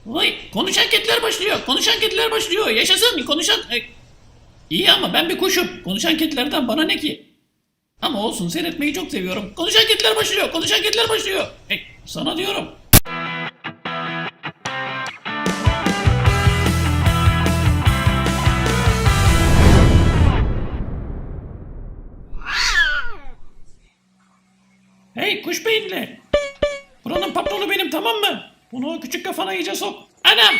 Vay, konuşan kediler başlıyor. Konuşan kediler başlıyor. Yaşasın konuşan... İyi ama ben bir kuşum. Konuşan kedilerden bana ne ki? Ama olsun, seyretmeyi çok seviyorum. Konuşan kediler başlıyor. Konuşan kediler başlıyor. Sana diyorum. Hey kuş beyinli. Buranın patronu benim, tamam mı? Bunu o küçük kafana iyice sok. Anam!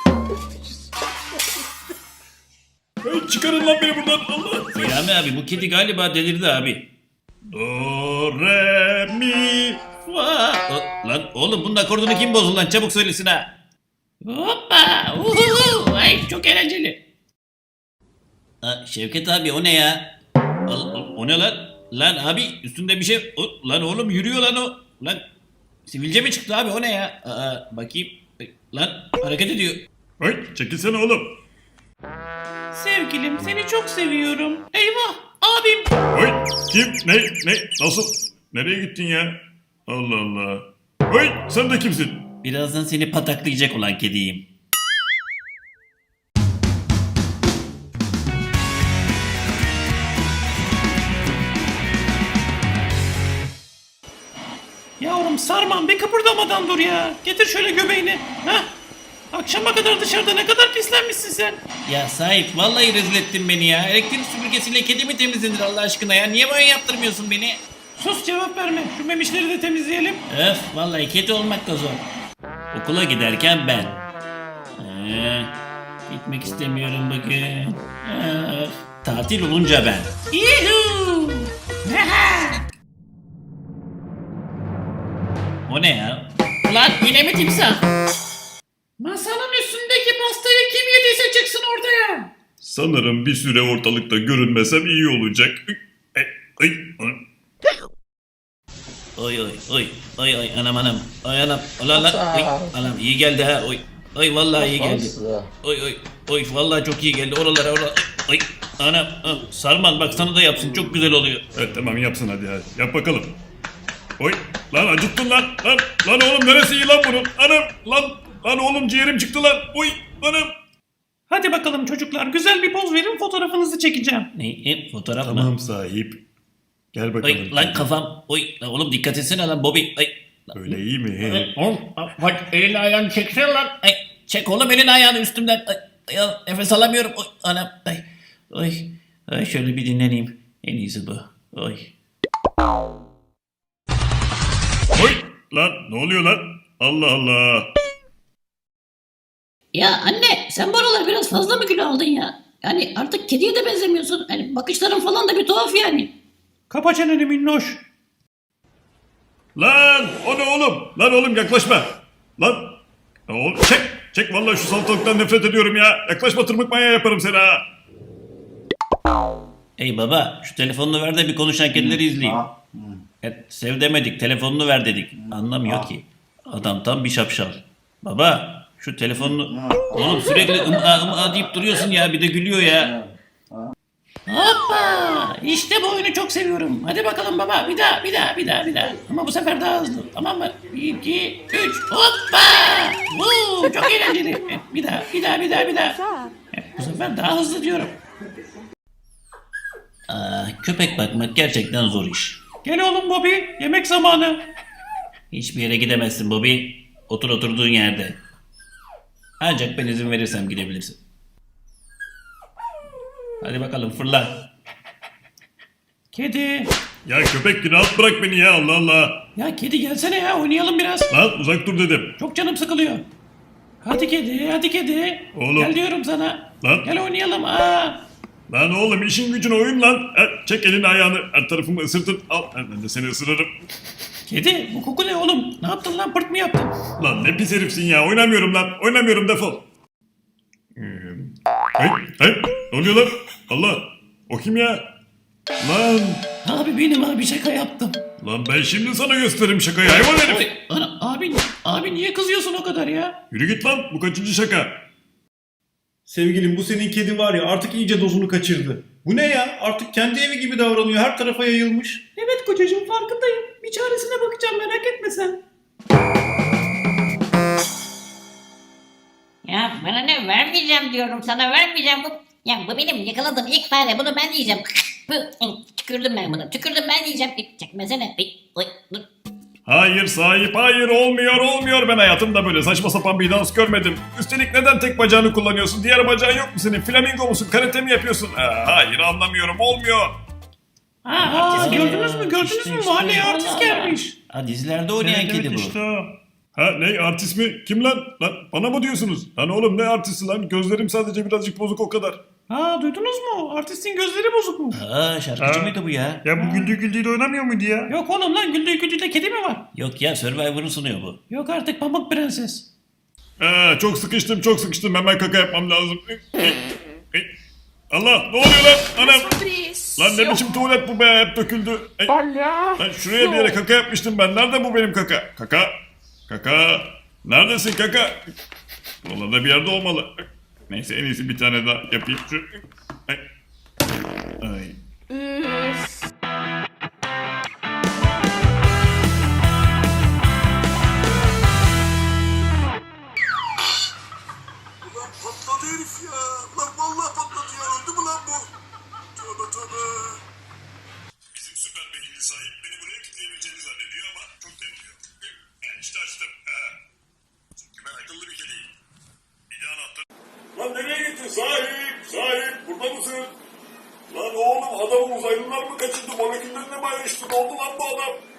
Hey, çıkarın lan beni buradan, Allah. Selami abi, bu kedi galiba delirdi abi. Do, re, mi, Fa. Lan oğlum, bunun akordunu kim bozdu lan? Çabuk söylesin ha. Hoppa! Uhuhu! Ay çok eğlenceli. Şevket abi, o ne ya? O ne lan? Lan abi, üstünde bir şey... Lan oğlum, yürüyor lan o. Lan sivilce mi çıktı abi, o ne ya? Bakayım. Lan hareket ediyor. hey, çekilsene oğlum. Sevgilim, seni çok seviyorum. Eyvah abim. Hey, kim, ne, nasıl, nereye gittin ya? Allah Allah. Hey, sen de kimsin? Birazdan seni pataklayacak olan kediyim. Yavrum Sarman, bir kıpırdamadan dur ya. Getir şöyle göbeğini. Hah. Akşama kadar dışarıda ne kadar pislenmişsin sen. Ya sahip, vallahi rezil ettin beni ya. Elektrik süpürgesiyle kedi mi temizlenir Allah aşkına ya? Niye böyle yaptırmıyorsun beni? Sus, cevap verme. Şu memişleri de temizleyelim. Öf, vallahi kedi olmak da zor. Okula giderken ben. Gitmek istemiyorum bugün. Öf. Tatil olunca ben. Yuhuu. O ne ya? Lan yine mi timsah? Masanın üstündeki pastayı kim yediyse çıksın ortaya. Sanırım bir süre ortalıkta görünmesem iyi olacak. Ay, ay, ay. Oy anam ay anam anam iyi geldi ha oy vallahi iyi geldi oy vallahi çok iyi geldi oralara oy anam Sarman, bak sana da yapsın, çok güzel oluyor. Evet, tamam, yapsın hadi yap bakalım. Oy, lan acıttın lan oğlum, neresi iyi lan bunun? Anam, lan oğlum, ciğerim çıktı lan. Oy, anam. Hadi bakalım çocuklar, güzel bir poz verin, fotoğrafınızı çekeceğim. Ne fotoğraf mı? Tamam sahip. Gel bakalım. Oy lan kafam, lan oğlum dikkat etsene lan Bobby. Öyle iyi mi? Oğlum bak, elini ayağını çeksene lan. Çek oğlum elini ayağını üstümden. Nefes alamıyorum. Oy anam. Ay şöyle bir dinleneyim. En iyisi bu. Oy. Oy, lan ne oluyor lan? Allah Allah. Ya anne, sen bu aralar biraz fazla mı kilo aldın ya? Yani artık kediye de benzemiyorsun. Hani bakışların falan da bir tuhaf yani. Kapa çeneni minnoş. Lan o ne oğlum? Lan oğlum, yaklaşma. Lan. Oğlum, çek vallahi, şu salatalıktan nefret ediyorum ya. Yaklaşma, tırmık manyağı yaparım seni ha. Ey baba, şu telefonunu ver de bir konuşan kedileri izleyeyim. Sev demedik, telefonunu ver dedik. Anlamıyor ki. Adam tam bir şapşal. Baba, şu telefonunu... Oğlum sürekli ım'a deyip duruyorsun ya, bir de gülüyor ya. Hoppa! İşte bu oyunu çok seviyorum. Hadi bakalım baba, bir daha. Ama bu sefer daha hızlı, tamam mı? 1, 2, 3, hoppa! Çok eğlenceli. Bir daha. Bu sefer daha hızlı diyorum. Köpek bakmak gerçekten zor iş. Gel oğlum Bobby, yemek zamanı. Hiçbir yere gidemezsin Bobby. Otur oturduğun yerde. Ancak ben izin verirsem gidebilirsin. Hadi bakalım, fırla. Kedi. Ya köpek, rahat bırak beni ya, Allah Allah. Ya kedi gelsene ya, oynayalım biraz. Lan uzak dur dedim. Çok canım sıkılıyor. Hadi kedi. Oğlum. Gel diyorum sana. Lan. Gel oynayalım. Lan oğlum, işin gücün oyun lan. Çek elini ayağını, her tarafımı ısırtın. Al, ben de seni ısırırım. Kedi, bu koku ne oğlum? Ne yaptın lan, pırt mı yaptın? Lan ne pis herifsin ya, oynamıyorum lan. Oynamıyorum, defol. Hey, ne oluyor lan? Allah, o kim ya? Lan, Abi benim abi, şaka yaptım. lan ben şimdi sana gösteririm şakayı, hayvan herif. Oy, abi niye kızıyorsun o kadar ya? Yürü git lan, bu kaçıncı şaka? Sevgilim, bu senin kedi var ya, artık iyice dozunu kaçırdı. Bu ne ya? Artık kendi evi gibi davranıyor. Her tarafa yayılmış. Evet kocacığım, farkındayım. Bir çaresine bakacağım, merak etme sen. Ya bana ne, vermeyeceğim diyorum sana, vermeyeceğim. Bu benim yakaladığım ilk fare, bunu ben yiyeceğim. Tükürdüm ben bunu, tükürdüm ben yiyeceğim. Çekmesene. Oy, dur. Hayır sahip, hayır, olmuyor. Ben hayatımda böyle saçma sapan bir dans görmedim. Üstelik neden tek bacağını kullanıyorsun? Diğer bacağın yok mu senin? Flamingo musun? Karate mi yapıyorsun? Hayır, anlamıyorum, olmuyor. Artist gördünüz mü? işte. Mahalleye Allah artist Allah. gelmiş. Dizilerde oynayan kedi bu. Ha ne artist mi? Kim lan? Lan bana mı diyorsunuz? Lan oğlum ne artisti lan? Gözlerim sadece birazcık bozuk o kadar. Duydunuz mu? Artistin gözleri bozuk mu? Şarkıcı mıydı bu ya? Ya bu güldüğü de oynamıyor muydu ya? Yok oğlum lan, güldüğü kedi mi var? Yok ya, Survivor'ı sunuyor bu. Yok artık, Pamuk Prenses. Çok sıkıştım. Hemen kaka yapmam lazım. Allah, ne oluyor lan? Anam. Lan ne biçim tuvalet bu be, hep döküldü. Lan şuraya bir yere kaka yapmıştım ben. Nerede bu benim kaka? Kaka. Neredesin kaka? Buralarda bir yerde olmalı. Neyse, en iyisi bir tane daha yapayım. Ay. Ulan patladı herif ya. Lan vallahi patladı ya. Öldü mü lan bu? Tövbe. Bizim süper beyinli sahip beni buraya kilitleyebileceğini zannediyor ama çok deniliyor. İşte açtım. Çünkü ben akıllı bir kediyim. Bir de anahtar. Lan nereye gittin sahip? Burada mısın? Lan oğlum, adamı uzaylılar mı kaçırdı? Moleküllerine mi ayrıştı? Ne oldu lan bu adam?